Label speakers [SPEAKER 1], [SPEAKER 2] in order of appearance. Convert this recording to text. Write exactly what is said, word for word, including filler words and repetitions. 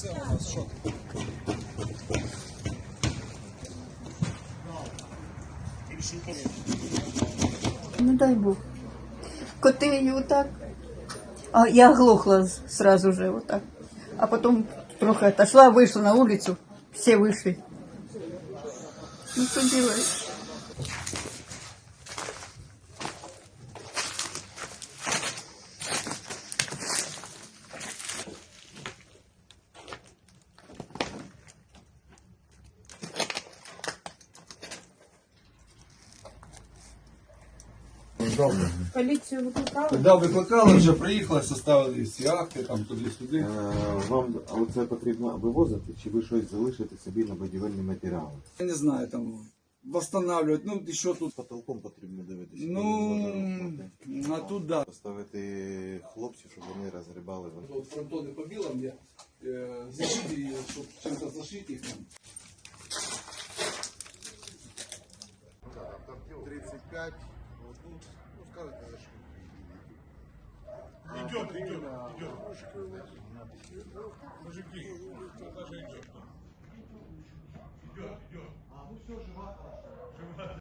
[SPEAKER 1] Це у нас що?
[SPEAKER 2] Не дай Бог. Коты и вот так. А я оглохла сразу же вот так. А потом трохи отошла, вышла на улицу. Все вышли. Ну что делаешь?
[SPEAKER 3] Поліцію викликали?
[SPEAKER 1] Когда викликали, вже приїхали, составили всі акти, там туди-сюди.
[SPEAKER 4] Е, Вам оце потрібно вивозити, чи ви щось залишите собі на будівельні матеріали?
[SPEAKER 1] Я не знаю, там восстанавливать, ну і що тут?
[SPEAKER 4] Потолком потрібно дивитися.
[SPEAKER 1] Ну, а тут да.
[SPEAKER 4] Поставити хлопців, щоб вони розгрібали.
[SPEAKER 1] Вот фронтоны по белым я э, зашить, чтобы чем-то зашить их там.
[SPEAKER 4] тридцать пять, ну, ну скажете, зашить.
[SPEAKER 5] Идет, идет, идет. Мужики, даже идет. Идет, идет. А, ну все, жива, хорошо. Жива.